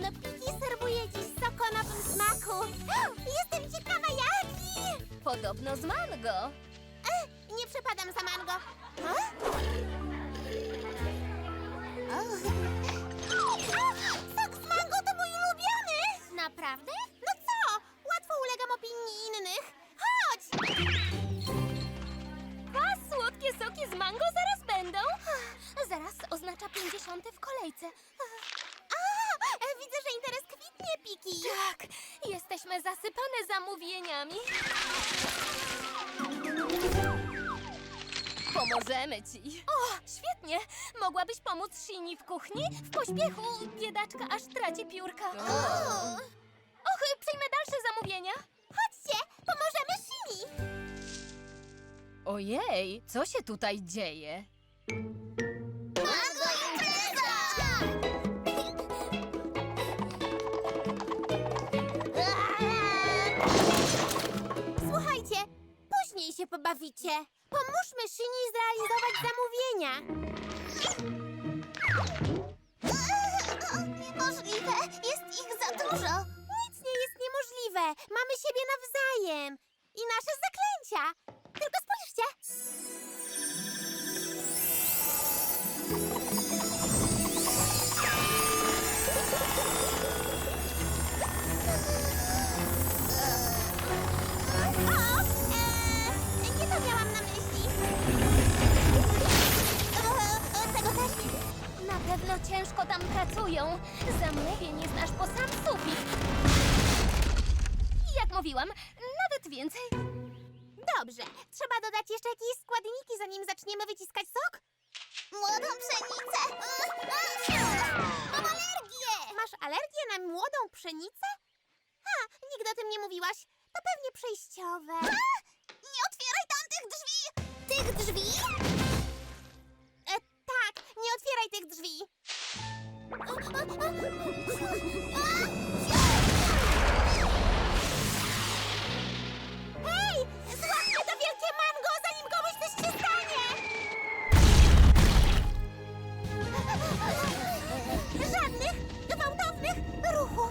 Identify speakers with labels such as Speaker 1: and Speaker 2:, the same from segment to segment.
Speaker 1: Piki serwuje dziś sok o nowym smaku. Jestem ciekawa jaki!
Speaker 2: Podobno z mango.
Speaker 1: Nie przepadam za mango. Sok z mango to mój ulubiony! Naprawdę? No co? Łatwo ulegam opinii innych. Chodź!
Speaker 2: A słodkie soki z mango zaraz będą. Zaraz oznacza 50 w kolejce.
Speaker 1: Widzę, że interes kwitnie, Piki.
Speaker 2: Tak, jesteśmy zasypane zamówieniami. Pomożemy ci. O, świetnie. Mogłabyś pomóc Shini w kuchni? W pośpiechu biedaczka aż traci piórka. Och, przyjmę dalsze zamówienia.
Speaker 1: Chodźcie, pomożemy Shini.
Speaker 2: Ojej, co się tutaj dzieje?
Speaker 1: Mango impreza! Słuchajcie, później się pobawicie. Pomóżmy Shini zrealizować zamówienia. Niemożliwe, jest ich za dużo. Nic nie jest niemożliwe. Mamy siebie nawzajem. I nasze zaklęcia. Tylko spójrzcie. Nie to miałam na myśli. Tego też nie.
Speaker 2: Na pewno ciężko tam pracują. Zamówień jest aż po sam sufit. Jak mówiłam, nawet więcej.
Speaker 1: Dobrze. Trzeba dodać jeszcze jakieś składniki, zanim zaczniemy wyciskać sok? Młodą pszenicę. Mam alergię. Masz alergię na młodą pszenicę? Nigdy o tym nie mówiłaś. To pewnie przejściowe. Nie otwieraj tamtych drzwi! Tych drzwi? Tak, nie otwieraj tych drzwi. Hej! Złapmy to wielkie mango, zanim komuś coś się stanie! Żadnych gwałtownych ruchów.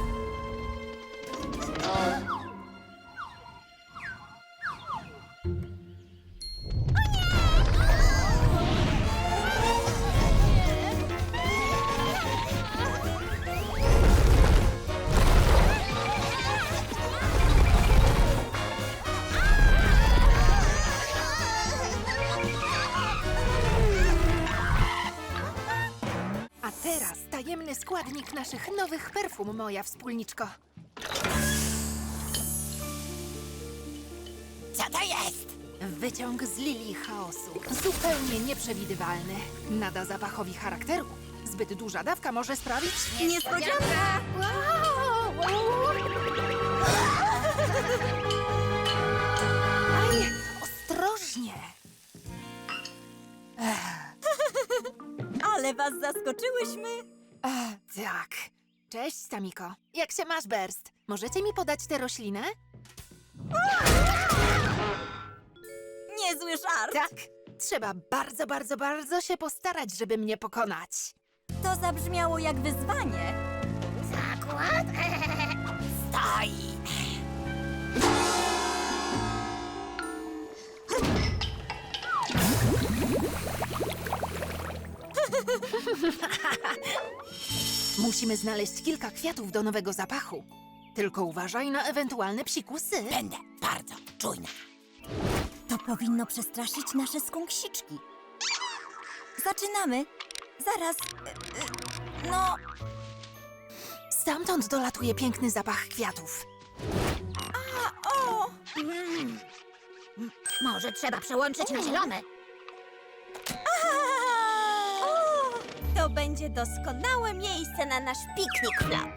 Speaker 3: A teraz tajemny składnik naszych nowych perfum, moja wspólniczko.
Speaker 4: Co to jest?
Speaker 3: Wyciąg z lilii chaosu. Zupełnie nieprzewidywalny. Nada zapachowi charakteru. Zbyt duża dawka może sprawić...
Speaker 4: Niespodzianka!
Speaker 3: Aj, ostrożnie!
Speaker 4: Ale was zaskoczyłyśmy!
Speaker 3: Tak. Cześć, Samiko. Jak się masz, Berst? Możecie mi podać tę roślinę?
Speaker 4: Niezły żart!
Speaker 3: Tak. Trzeba bardzo, bardzo, bardzo się postarać, żeby mnie pokonać.
Speaker 4: To zabrzmiało jak wyzwanie.
Speaker 1: Zakład?
Speaker 4: Stoj!
Speaker 3: Musimy znaleźć kilka kwiatów do nowego zapachu. Tylko uważaj na ewentualne psikusy.
Speaker 4: Będę bardzo czujna. To powinno przestraszyć nasze skąksiczki. Zaczynamy. Zaraz. No,
Speaker 3: Stamtąd dolatuje piękny zapach kwiatów.
Speaker 4: o!
Speaker 1: Może trzeba przełączyć na zielone.
Speaker 4: O! To będzie doskonałe miejsce na nasz piknik, Flap.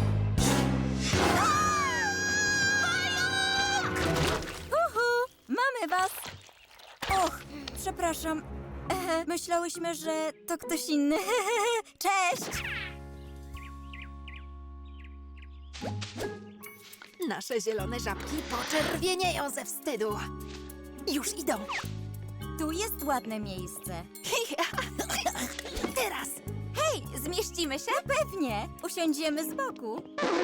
Speaker 4: Mamy was! Och, przepraszam. Myślałyśmy, że to ktoś inny. Cześć!
Speaker 3: Nasze zielone żabki poczerwienieją ze wstydu. Już idą.
Speaker 4: Tu jest ładne miejsce.
Speaker 3: Teraz.
Speaker 4: Hej, zmieścimy Zmieścimy się? Pewnie. Usiądziemy z boku.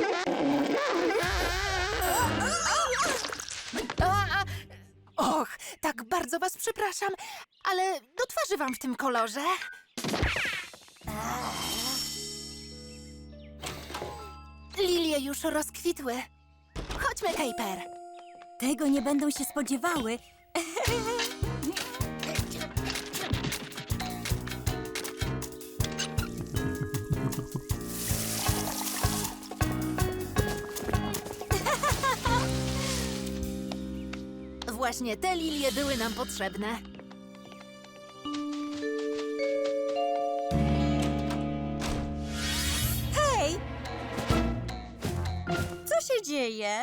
Speaker 3: Och, tak bardzo was przepraszam, ale do twarzy wam w tym kolorze. Lilie już rozkwitły. Chodźmy, Kejper.
Speaker 4: Tego nie będą się spodziewały.
Speaker 3: Właśnie te lilie były nam potrzebne.
Speaker 4: Hej! Co się dzieje?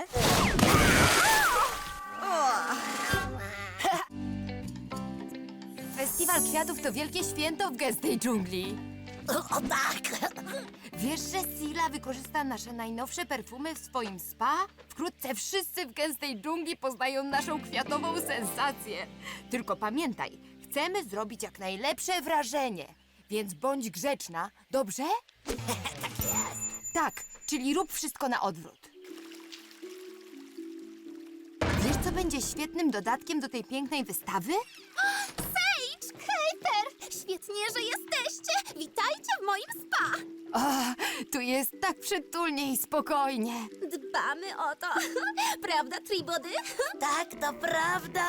Speaker 5: Festiwal Kwiatów to wielkie święto w gęstej dżungli.
Speaker 1: O tak!
Speaker 5: Wiesz, że Sila wykorzysta nasze najnowsze perfumy w swoim spa? Wkrótce wszyscy w gęstej dżungli poznają naszą kwiatową sensację. Tylko pamiętaj, chcemy zrobić jak najlepsze wrażenie, więc bądź grzeczna, dobrze? Tak jest. Tak, czyli rób wszystko na odwrót. Wiesz, co będzie świetnym dodatkiem do tej pięknej wystawy?
Speaker 1: Sage, Kejper! Świetnie, że jesteście! Witajcie w moim spa!
Speaker 5: O, tu jest tak przytulnie i spokojnie.
Speaker 1: Dbamy o to. Prawda, Tribody? Tak, to prawda.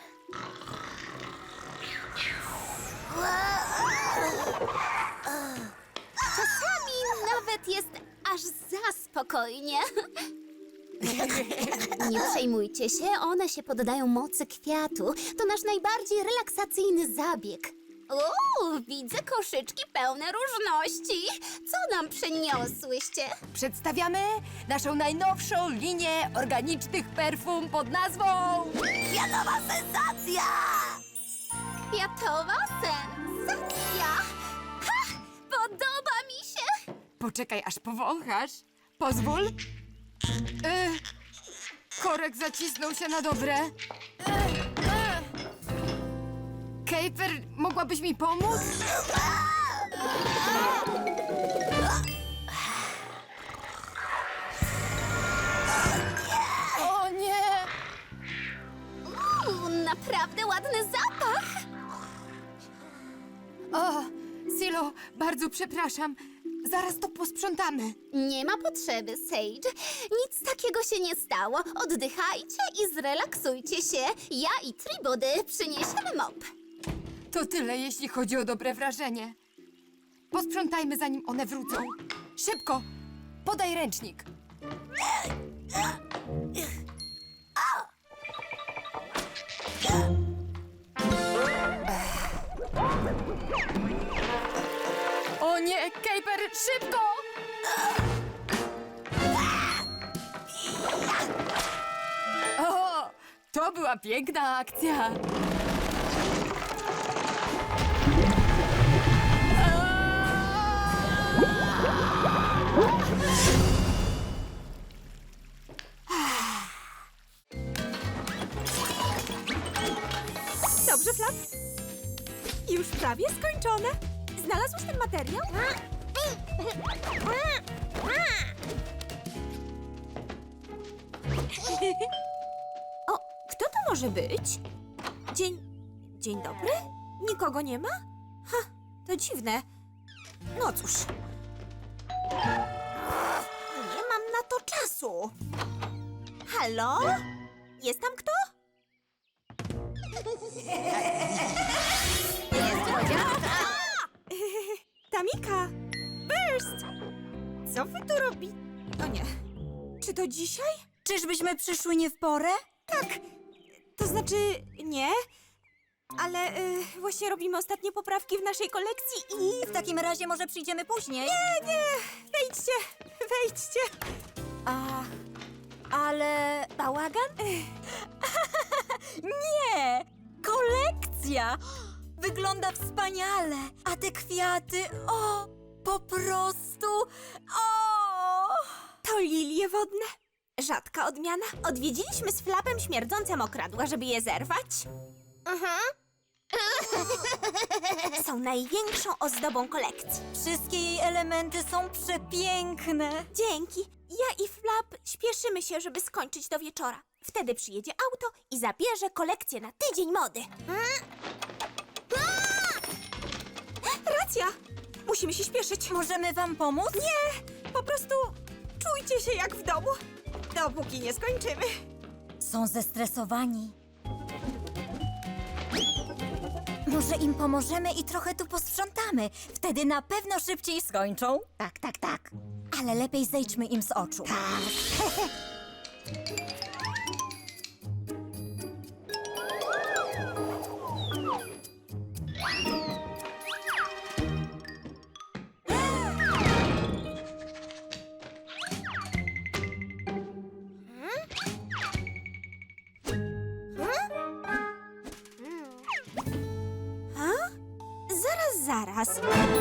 Speaker 1: Czasami nawet jest aż za spokojnie. Nie przejmujcie się, one się poddają mocy kwiatu. To nasz najbardziej relaksacyjny zabieg. Widzę koszyczki pełne różności. Co nam przyniosłyście?
Speaker 5: Przedstawiamy naszą najnowszą linię organicznych perfum pod nazwą...
Speaker 1: Kwiatowa sensacja! Kwiatowa sensacja! Ha! Podoba mi się!
Speaker 5: Poczekaj, aż powąchasz. Pozwól. Korek zacisnął się na dobre. Kejper, mogłabyś mi pomóc? O nie!
Speaker 1: Naprawdę ładny zapach!
Speaker 5: O, Silo, bardzo przepraszam. Zaraz to posprzątamy.
Speaker 1: Nie ma potrzeby, Sage. Nic takiego się nie stało. Oddychajcie i zrelaksujcie się. Ja i Tribody przyniesiemy mop.
Speaker 5: To tyle, jeśli chodzi o dobre wrażenie. Posprzątajmy, zanim one wrócą. Szybko! Podaj ręcznik. O nie, Kejper, szybko! O, to była piękna akcja.
Speaker 4: Dobrze, Flap? Już prawie skończone. Znalazłeś ten materiał? O, kto to może być? Dzień dobry? Nikogo nie ma? Ha, to dziwne. No cóż. Nie mam na to czasu. Halo? Jest tam kto? Tamika! Burst! Co wy tu robi? O nie. Czy to dzisiaj? Czyżbyśmy przyszły nie w porę? Tak. To znaczy, nie. Ale właśnie robimy ostatnie poprawki w naszej kolekcji i... W takim razie może przyjdziemy później? Nie. Wejdźcie. Ale bałagan? Nie! Kolekcja! Wygląda wspaniale, a te kwiaty, po prostu, To lilie wodne. Rzadka odmiana. Odwiedziliśmy z Flapem śmierdzące mokradła, żeby je zerwać.
Speaker 1: Są największą ozdobą kolekcji.
Speaker 4: Wszystkie jej elementy są przepiękne.
Speaker 1: Dzięki. Ja i Flap śpieszymy się, żeby skończyć do wieczora. Wtedy przyjedzie auto i zabierze kolekcję na tydzień mody.
Speaker 4: Racja! Musimy się śpieszyć. Możemy wam pomóc? Nie! Po prostu czujcie się jak w domu, dopóki nie skończymy. Są zestresowani. Może im pomożemy i trochę tu posprzątamy. Wtedy na pewno szybciej skończą. Tak, tak, tak. Ale lepiej zejdźmy im z oczu.
Speaker 1: Zaraz.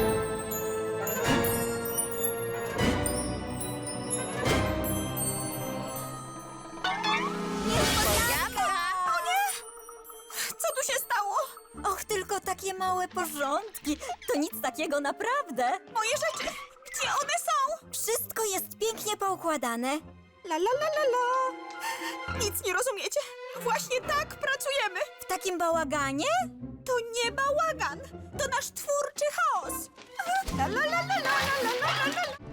Speaker 4: Co tu się stało? Och, tylko takie małe porządki. To nic takiego naprawdę. Moje rzeczy! Gdzie one są? Wszystko jest pięknie poukładane. La la la la la. Nic nie rozumiecie. Właśnie tak pracujemy. W takim bałaganie? To nie bałagan. To nasz twórczy chaos. La la la la la la la la la.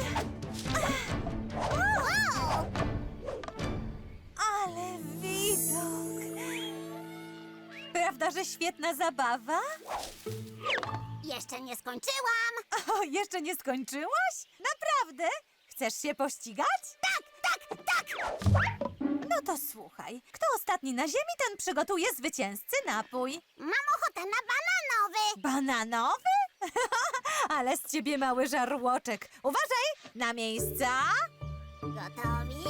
Speaker 4: Ale widok. Prawda, że świetna zabawa?
Speaker 1: Jeszcze nie skończyłam.
Speaker 4: O, jeszcze nie skończyłaś? Naprawdę? Chcesz się pościgać? Tak! No to słuchaj, kto ostatni na ziemi, ten przygotuje zwycięzcy napój.
Speaker 1: Mam ochotę na bananowy.
Speaker 4: Bananowy? Ale z ciebie mały żarłoczek. Uważaj! Na miejsca!
Speaker 1: Gotowi?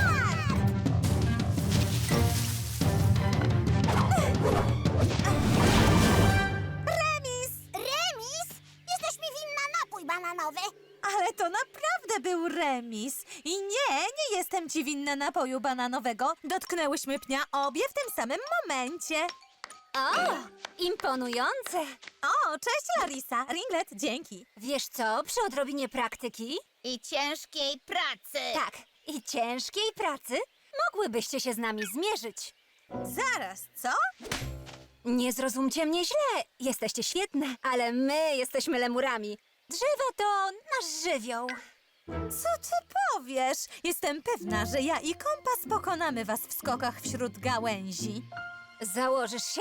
Speaker 4: Remis!
Speaker 1: Remis? Jesteś mi winna napój bananowy.
Speaker 4: Ale to naprawdę był remis. I nie jestem ci winna napoju bananowego. Dotknęłyśmy pnia obie w tym samym momencie.
Speaker 2: O, imponujące.
Speaker 4: O, cześć Larisa. Ringlet, dzięki.
Speaker 2: Wiesz co, przy odrobinie praktyki,
Speaker 1: I ciężkiej pracy.
Speaker 2: tak, i ciężkiej pracy, mogłybyście się z nami zmierzyć.
Speaker 4: Zaraz, co?
Speaker 2: Nie zrozumcie mnie źle, jesteście świetne, ale my jesteśmy lemurami. Drzewo to nasz żywioł.
Speaker 4: Co ty powiesz? Jestem pewna, że ja i kompas pokonamy was w skokach wśród gałęzi.
Speaker 2: Założysz się?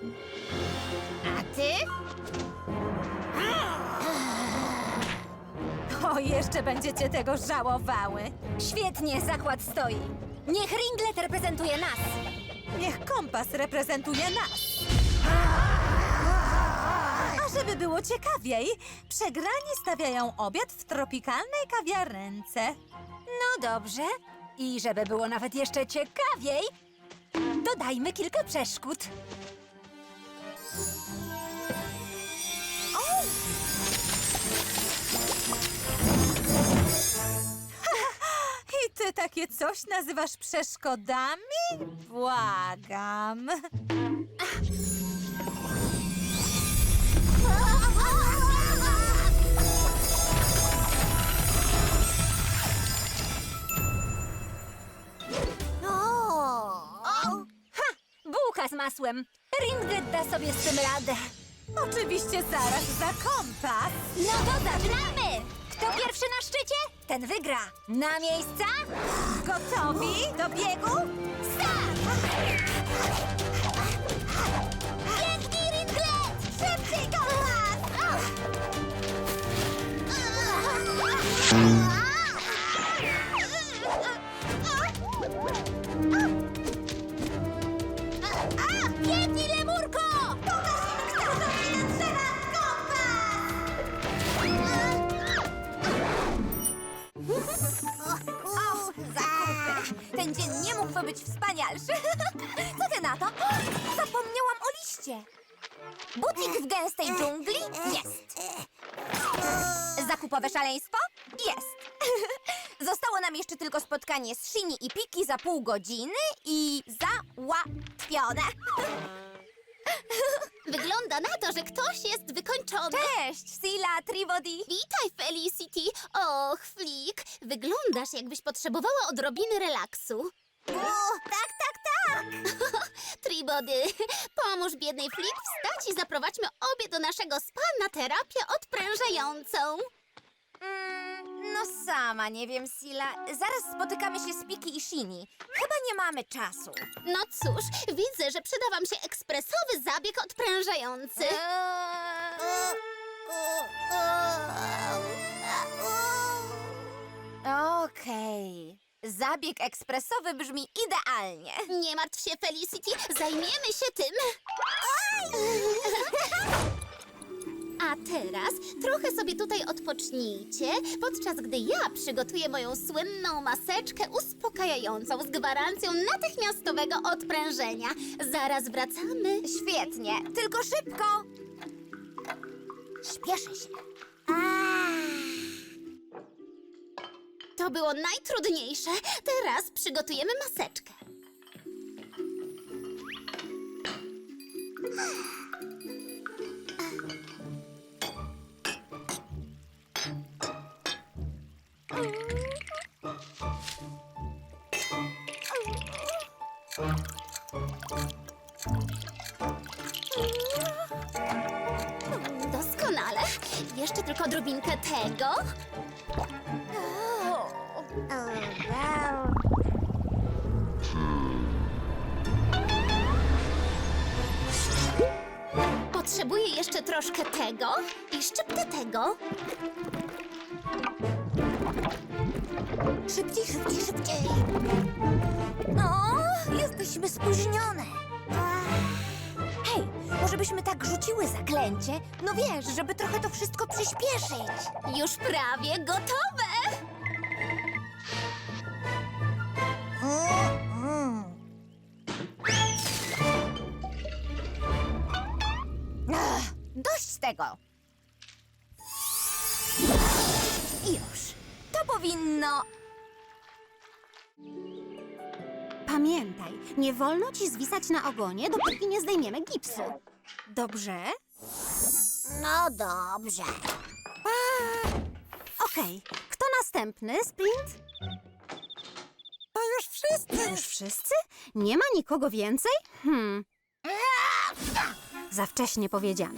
Speaker 1: A ty?
Speaker 4: O, jeszcze będziecie tego żałowały.
Speaker 2: Świetnie, zakład stoi. Niech Ringlet reprezentuje nas.
Speaker 4: Niech kompas reprezentuje nas. A żeby było ciekawiej, przegrani stawiają obiad w tropikalnej kawiarence.
Speaker 2: No dobrze. I żeby było nawet jeszcze ciekawiej, dodajmy kilka przeszkód.
Speaker 4: I ty takie coś nazywasz przeszkodami? Błagam.
Speaker 2: Bułka z masłem. Ringlet da sobie z tym radę.
Speaker 4: Oczywiście zaraz za kompas.
Speaker 2: No to zaczynamy! Kto pierwszy na szczycie, ten wygra. Na miejsca?
Speaker 4: Gotowi do biegu?
Speaker 1: Biegnij, Ringlet! Szybciej, kompas! Biegnij, lemurko! Pokaż im, kto zrobi na drzewach kompas!
Speaker 5: Ten dzień nie mógłby być wspanialszy. Co ty na to? Zapomniałam o liście. Butik w gęstej dżungli? Jest. Zakupowe szaleństwo? Jest. Zostało nam jeszcze tylko spotkanie z Shini i Piki za pół godziny i załatwione.
Speaker 1: Wygląda na to, że ktoś jest wykończony.
Speaker 2: Cześć, Sila, Tribody.
Speaker 1: Witaj, Felicity. Och, Flick, wyglądasz, jakbyś potrzebowała odrobiny relaksu. Tak. Tribody, pomóż biednej Flick wstać i zaprowadźmy obie do naszego spa na terapię odprężającą.
Speaker 6: No sama nie wiem, Sila. Zaraz spotykamy się z Piki i Shini. Chyba nie mamy czasu.
Speaker 1: No cóż, widzę, że przyda wam się ekspresowy zabieg odprężający.
Speaker 6: Okej. Zabieg ekspresowy brzmi idealnie.
Speaker 1: Nie martw się, Felicity, zajmiemy się tym. A teraz trochę sobie tutaj odpocznijcie, podczas gdy ja przygotuję moją słynną maseczkę uspokajającą z gwarancją natychmiastowego odprężenia. Zaraz wracamy.
Speaker 6: Świetnie, tylko szybko. Śpieszę się.
Speaker 1: To było najtrudniejsze. Teraz przygotujemy maseczkę. Doskonale. Jeszcze tylko odrobinkę tego. Potrzebuję jeszcze troszkę tego i szczyptę tego.
Speaker 6: Szybciej, szybciej, szybciej. No, jesteśmy spóźnione. Hej, może byśmy tak rzuciły zaklęcie? No wiesz, żeby trochę to wszystko przyspieszyć.
Speaker 1: Już prawie gotowe.
Speaker 6: Dość tego. Już. To powinno...
Speaker 4: Pamiętaj, nie wolno ci zwisać na ogonie, dopóki nie zdejmiemy gipsu. Dobrze?
Speaker 6: No dobrze.
Speaker 4: Okej. Kto następny? Sprint? To już wszyscy. Już wszyscy? Nie ma nikogo więcej? Za wcześnie powiedziane.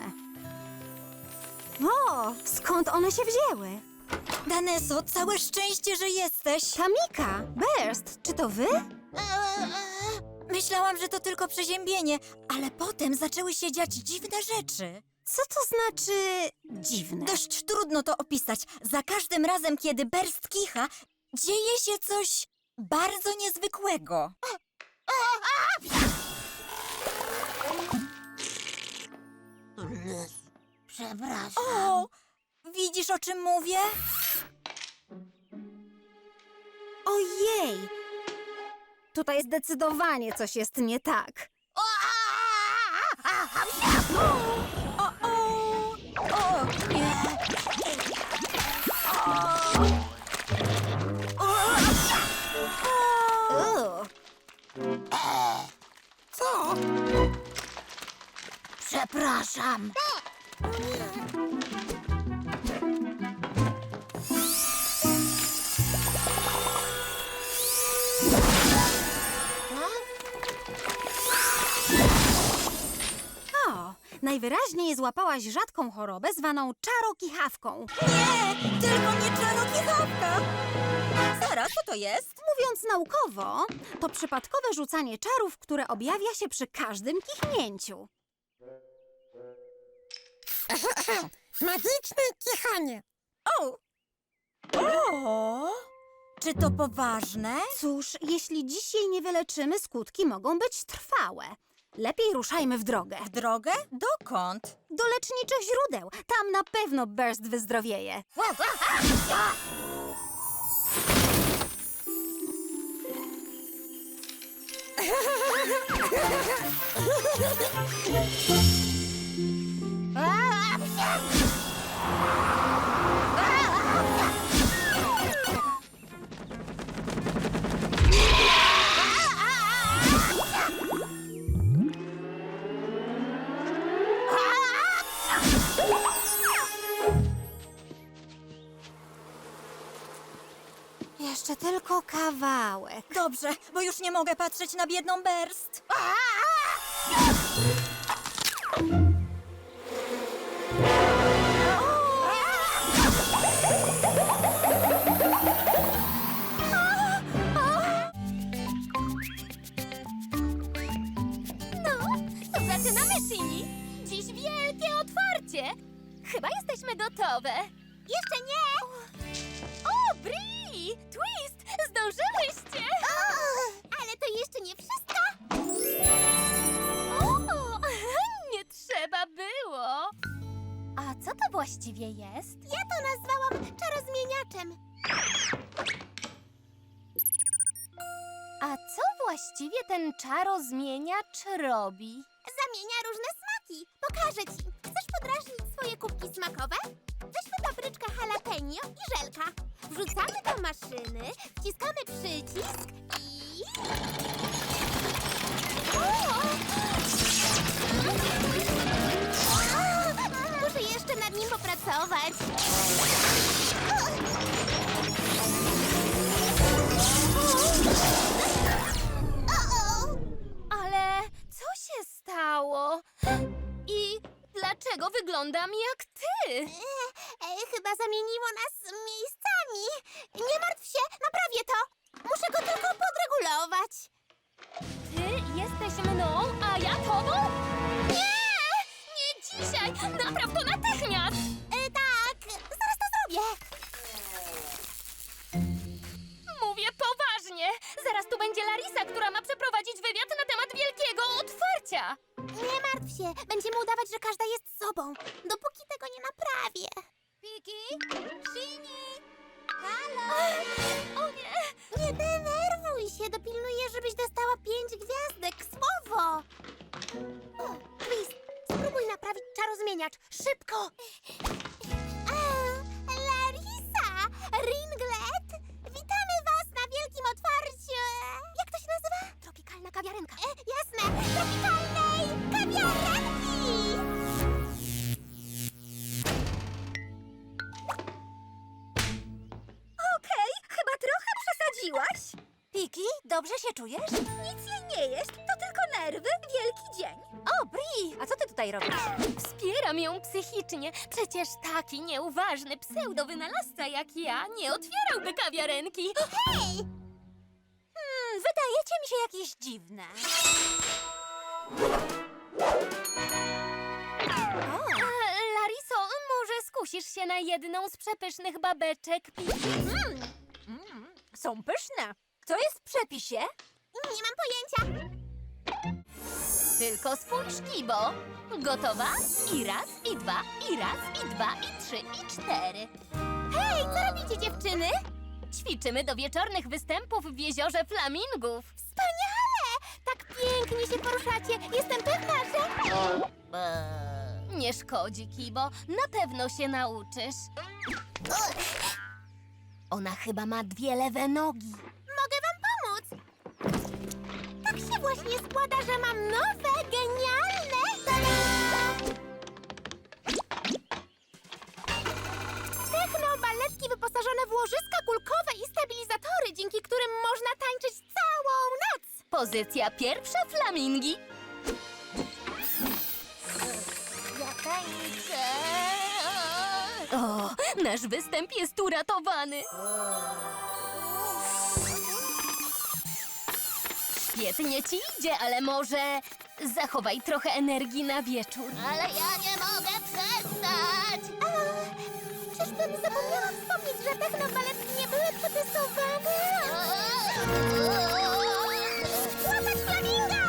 Speaker 4: O, skąd one się wzięły?
Speaker 7: Daneso, całe szczęście, że jesteś.
Speaker 4: Tamika, Burst, czy to wy?
Speaker 7: Myślałam, że to tylko przeziębienie, ale potem zaczęły się dziać dziwne rzeczy.
Speaker 4: Co to znaczy dziwne?
Speaker 7: Dość trudno to opisać. Za każdym razem, kiedy Burst kicha, dzieje się coś bardzo niezwykłego.
Speaker 6: Przepraszam.
Speaker 7: O, widzisz, o czym mówię?
Speaker 4: Ojej! Tutaj zdecydowanie coś jest nie tak.
Speaker 7: O, nie.
Speaker 6: Co? Przepraszam.
Speaker 4: O, najwyraźniej złapałaś rzadką chorobę zwaną czarokichawką.
Speaker 7: Nie, tylko nie czarokichawka. Zaraz, co to jest?
Speaker 4: Mówiąc naukowo, to przypadkowe rzucanie czarów, które objawia się przy każdym kichnięciu.
Speaker 7: Magiczne kichanie. O! O! Czy to poważne?
Speaker 4: Cóż, jeśli dziś jej nie wyleczymy, skutki mogą być trwałe. Lepiej ruszajmy w drogę.
Speaker 7: W drogę? Dokąd?
Speaker 4: Do leczniczych źródeł. Tam na pewno Burst wyzdrowieje.
Speaker 6: Jeszcze tylko kawałek.
Speaker 7: Dobrze, bo już nie mogę patrzeć na biedną Berst.
Speaker 2: To zaczynamy, Shini! Dziś wielkie otwarcie! Chyba jesteśmy gotowe.
Speaker 1: Jeszcze nie!
Speaker 2: O, Bri! Twist! Zdążyłyście!
Speaker 1: Ale to jeszcze nie wszystko!
Speaker 2: O, nie trzeba było! A co to właściwie jest?
Speaker 1: Ja to nazwałam czarozmieniaczem.
Speaker 2: A co właściwie ten czarozmieniacz robi?
Speaker 1: Zamienia różne smaki. Pokażę ci. Chcesz podrażnić swoje kubki smakowe? Weźmy papryczkę jalapeno i żelka. Wrzucamy do maszyny, wciskamy przycisk i... Muszę jeszcze nad nim popracować.
Speaker 2: Ale co się stało? I dlaczego wyglądam jak ty?
Speaker 1: Chyba zamieniło nas miejscami. Nie martw się, naprawię to. Muszę go tylko podregulować.
Speaker 2: Ty jesteś mną, a ja tobą? Nie! Nie dzisiaj! Napraw to natychmiast!
Speaker 1: Tak, zaraz to zrobię.
Speaker 2: Mówię poważnie! Zaraz tu będzie Larisa, która ma przeprowadzić wywiad na temat wielkiego otwarcia!
Speaker 1: Nie martw się, będziemy udawać, że każda jest sobą, dopóki tego nie naprawię.
Speaker 6: Piki? Shini?
Speaker 2: O nie!
Speaker 1: Nie denerwuj się, dopilnuję, żebyś dostała 5 gwiazdek, słowo. Chris, spróbuj naprawić czarozmieniacz, szybko. Larisa, Ringlet, witamy was na wielkim otwarciu. Jak to się nazywa?
Speaker 2: Tropikalna kawiarenka.
Speaker 1: Jasne, tropikalnej kawiarenki.
Speaker 6: Okej, chyba trochę przesadziłaś. Piki, dobrze się czujesz? Nic jej nie jest, to tylko nerwy, wielki dzień. O, Bri, a co ty tutaj robisz?
Speaker 2: Wspieram ją psychicznie. Przecież taki nieuważny pseudowynalazca jak ja nie otwierałby kawiarenki.
Speaker 6: Wydajecie mi się jakieś dziwne.
Speaker 2: Lariso, może skusisz się na jedną z przepysznych babeczek Piki?
Speaker 6: Są pyszne. Co jest w przepisie?
Speaker 1: Nie mam pojęcia.
Speaker 2: Tylko spójrz, Kibo. Gotowa? I raz, i dwa, i raz, i dwa, i trzy, i cztery.
Speaker 1: Hej, co robicie, dziewczyny?
Speaker 2: Ćwiczymy do wieczornych występów w jeziorze flamingów.
Speaker 1: Wspaniale! Tak pięknie się poruszacie. Jestem pewna, że...
Speaker 2: Nie szkodzi, Kibo. Na pewno się nauczysz. Ona chyba ma 2 lewe nogi.
Speaker 1: Mogę wam pomóc. Tak się właśnie składa, że mam nowe, genialne... Techno-baletki wyposażone w łożyska kulkowe i stabilizatory, dzięki którym można tańczyć całą noc.
Speaker 2: Pozycja pierwsza, flamingi.
Speaker 1: Ja tańczę.
Speaker 2: O, nasz występ jest uratowany. Świetnie ci idzie, ale może zachowaj trochę energii na wieczór.
Speaker 1: Ale ja nie mogę przestać! Czyżbym zapomniała wspomnieć, że technobaletki nie były przetestowane? Złapać flaminga!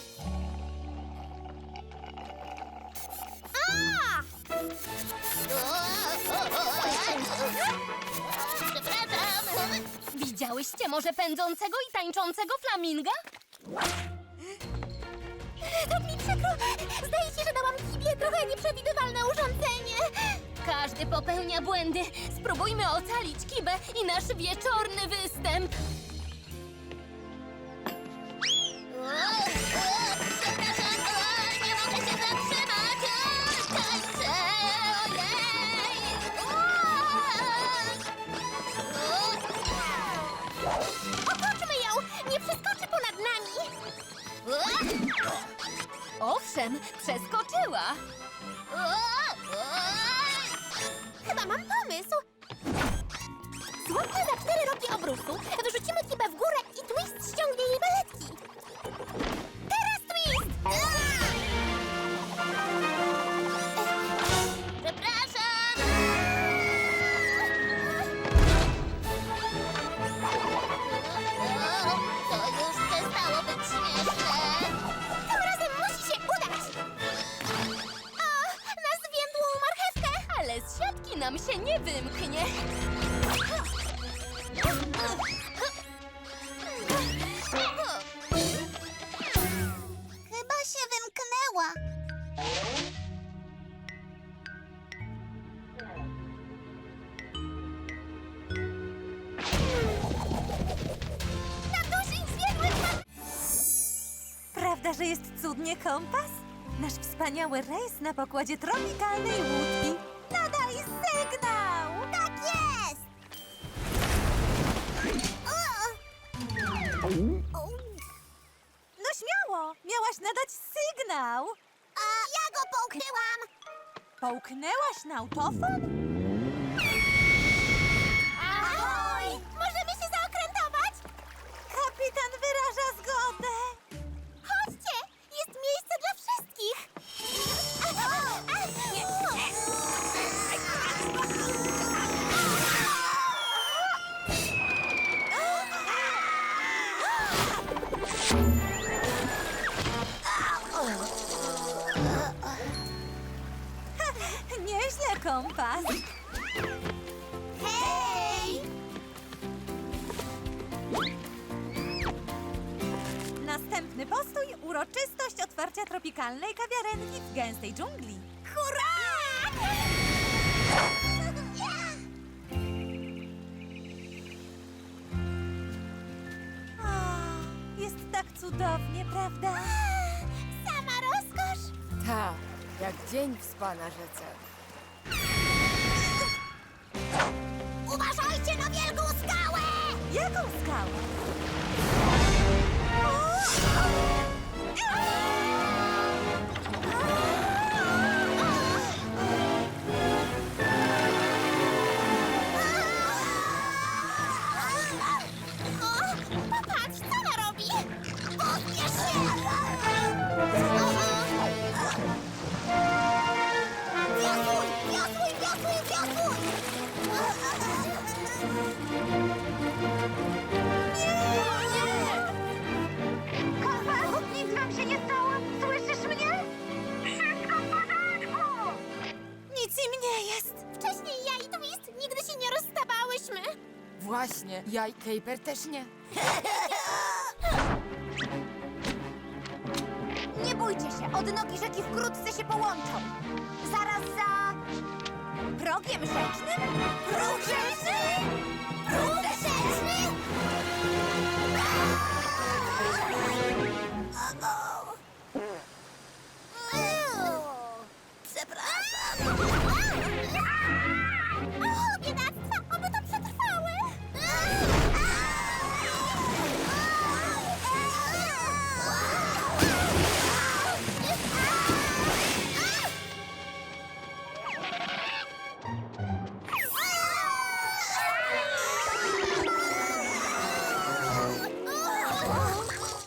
Speaker 1: Przepraszam!
Speaker 2: Widziałyście może pędzącego i tańczącego flaminga?
Speaker 1: Tak mi przykro! Zdaje się, że dałam Kibie trochę nieprzewidywalne urządzenie.
Speaker 2: Każdy popełnia błędy. Spróbujmy ocalić Kibę i nasz wieczorny występ.
Speaker 1: Przepraszam, nie mogę się zatrzymać! Tańczę! Ojej!
Speaker 2: razem. Przeskoczyła.
Speaker 1: Chyba mam pomysł. Złapmy za 4 rogi obrusu, wyrzucimy Kibę w górę i Twist ściągnie jej beletki. Teraz Twist! Przepraszam! To już przestało być śmieszne. Tym razem musi się udać. O, na zwiędłą marchewkę!
Speaker 2: Ale z siatki nam się nie wymknie.
Speaker 1: Chyba się wymknęła.
Speaker 4: Prawda, że jest cudnie kompas? Nasz wspaniały rejs na pokładzie tropikalnej łódki. Nadaj sygnał!
Speaker 1: Tak jest!
Speaker 4: No śmiało! Miałaś nadać sygnał!
Speaker 1: A ja go połknęłam!
Speaker 4: Połknęłaś na autofon?
Speaker 1: Ahoj! Możemy się zaokrętować?
Speaker 4: Kapitan wyraża zgodę!
Speaker 1: Chodźcie! Jest miejsce dla wszystkich!
Speaker 4: Nieźle kompas!
Speaker 1: Hej!
Speaker 4: Następny postój – uroczystość otwarcia tropikalnej kawiarenki w gęstej dżungli.
Speaker 1: Hurra!
Speaker 4: Jest tak cudownie, prawda?
Speaker 1: Sama rozkosz!
Speaker 5: Tak, jak dzień w spa na rzece.
Speaker 1: Uważajcie na wielką skałę!
Speaker 4: Jaką skałę?
Speaker 1: O, popatrz, co ona robi! Pospiesz się! Wiosłuj, wiosłuj, wiosłuj, wiosłuj! Kocha, nic wam się nie stało? Słyszysz mnie? Wszystko w porządku!
Speaker 4: Nic im nie jest.
Speaker 1: Wcześniej ja i Twist nigdy się nie rozstawałyśmy.
Speaker 5: Właśnie, ja i Caper też nie.
Speaker 6: Nie bójcie się, odnogi rzeki wkrótce się połączą. Zaraz za... progiem rzecznym? Próg rzeczny!